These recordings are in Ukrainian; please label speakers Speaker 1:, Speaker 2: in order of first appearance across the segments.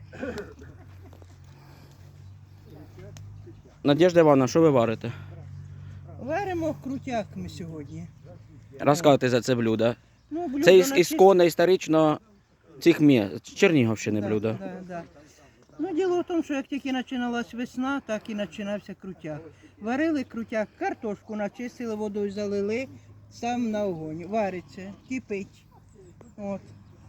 Speaker 1: Надежда Івановна, що ви варите?
Speaker 2: Варимо крутяк ми сьогодні.
Speaker 1: Розказуйте за це блюдо.
Speaker 2: Ну, блюдо
Speaker 1: Це
Speaker 2: на
Speaker 1: ісконно, історично цих міст, Чернігівщини
Speaker 2: Да,
Speaker 1: блюдо.
Speaker 2: да, да. Ну, діло в тому, що як тільки починалась весна, так і починався крутяк. Варили крутяк, картошку начистили, водою залили, сам на огонь. Вариться, кипить. От.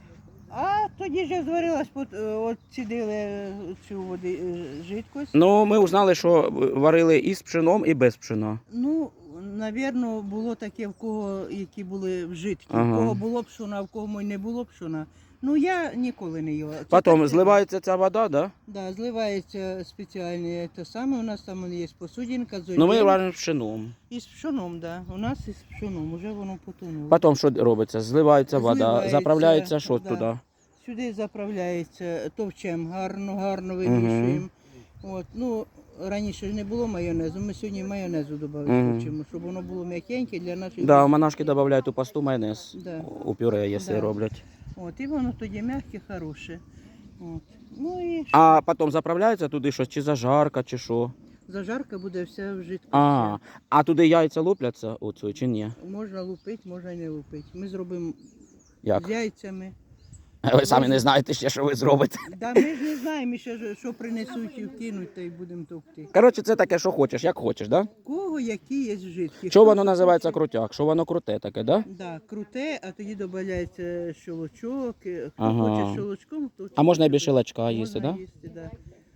Speaker 2: А тоді ж як зварилась, от цідили цю води, жидкость.
Speaker 1: Ну, ми узнали, що варили і з пшеном, і без пшена.
Speaker 2: Ну, навірно, було таке, в кого, які були вжитки.
Speaker 1: Ага.
Speaker 2: В кого було пшона, в кого не було пшона. Ну, я ніколи не їла. Це
Speaker 1: Потім
Speaker 2: так,
Speaker 1: зливається ця вода, да?
Speaker 2: Да, зливається спеціальне те саме. У нас там є посудинка,
Speaker 1: Ну, ми
Speaker 2: золі.
Speaker 1: варимо з пшеном.
Speaker 2: І з пшоном, да. У нас із пшоном, вже воно потонуло.
Speaker 1: Потім що робиться? Зливається вода,
Speaker 2: Зливається,
Speaker 1: заправляється що
Speaker 2: да.
Speaker 1: туди?
Speaker 2: Сюди заправляється товчем, гарно вимішуємо. От, ну, раніше ж не було майонезу, ми сьогодні майонезу додали, хочемо, щоб воно було м'якеньке для наших.
Speaker 1: Да, монашки додають у пасту майонез,
Speaker 2: Да.
Speaker 1: у пюре, якщо
Speaker 2: Да.
Speaker 1: роблять.
Speaker 2: От, і воно тоді м'яке, хороше. От. Ну і
Speaker 1: А потім заправляється туди щось, чи зажарка, чи що?
Speaker 2: зажарка буде вся в жидкості.
Speaker 1: А туди яйця лупляться оцю, чи ні?
Speaker 2: Можна лупити, можна і не лупити. Ми зробимо
Speaker 1: Як?
Speaker 2: з яйцями.
Speaker 1: Ви самі не знаєте ще, що ви зробите.
Speaker 2: Да, ми ж не знаємо ще, що принесуть і вкинуть, та й будемо товкти.
Speaker 1: Коротше, це таке, що хочеш, як хочеш, да?
Speaker 2: Кого які є жидкі.
Speaker 1: Що воно називається крутяк? Що воно круте таке, да?
Speaker 2: Да, круте, а тоді додається щолочок. Хто
Speaker 1: Ага.
Speaker 2: хоче щолочком, хто
Speaker 1: А можна і без
Speaker 2: хоче
Speaker 1: щелочка їсти,
Speaker 2: можна
Speaker 1: да?
Speaker 2: їсти, да.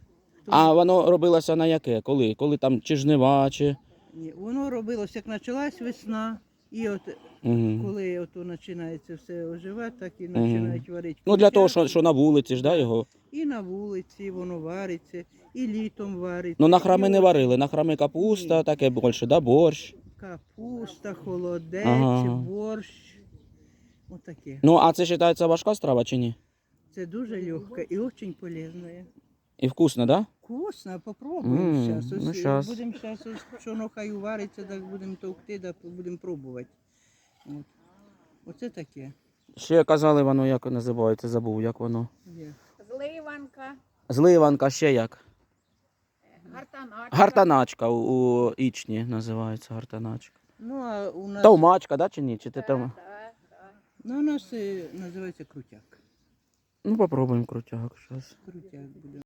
Speaker 1: А воно робилося на яке? Коли? Коли там чи жнива, чи...
Speaker 2: Ні, воно робилося, як почалась весна, і от
Speaker 1: Угу.
Speaker 2: коли ото починається все оживати, так і починають варити.
Speaker 1: Ну для того,
Speaker 2: крутяк.
Speaker 1: що на вулиці ж, да, його?
Speaker 2: І на вулиці воно вариться, і літом вариться.
Speaker 1: Ну на храми
Speaker 2: і
Speaker 1: не
Speaker 2: от
Speaker 1: варили, на храми капуста,
Speaker 2: Ні.
Speaker 1: таке більше, да, борщ.
Speaker 2: Капуста, холодець,
Speaker 1: Ага.
Speaker 2: борщ. Отаке.
Speaker 1: Ну, а це вважається важка страва чи ні?
Speaker 2: Це дуже легко і дуже полезне.
Speaker 1: І вкусно, да?
Speaker 2: Вкусно, попробуємо зараз.
Speaker 1: Ну, щас.
Speaker 2: Будемо зараз, що хай увариться, так будемо товкти, так будемо пробувати. От. Оце таке.
Speaker 1: Ще казали воно, як називається, забув, як воно.
Speaker 2: Є.
Speaker 3: Зливанка,
Speaker 1: Зливанка, ще як?
Speaker 3: гартаначка.
Speaker 1: Гартаначка у Ічні називається гартаначка.
Speaker 2: Ну, а у нас,
Speaker 1: Товмачка, да, чи ні? Чи ти там?
Speaker 2: ну, у нас називається крутяк.
Speaker 1: Ну, попробуємо крутяк зараз.
Speaker 2: Крутяк буде.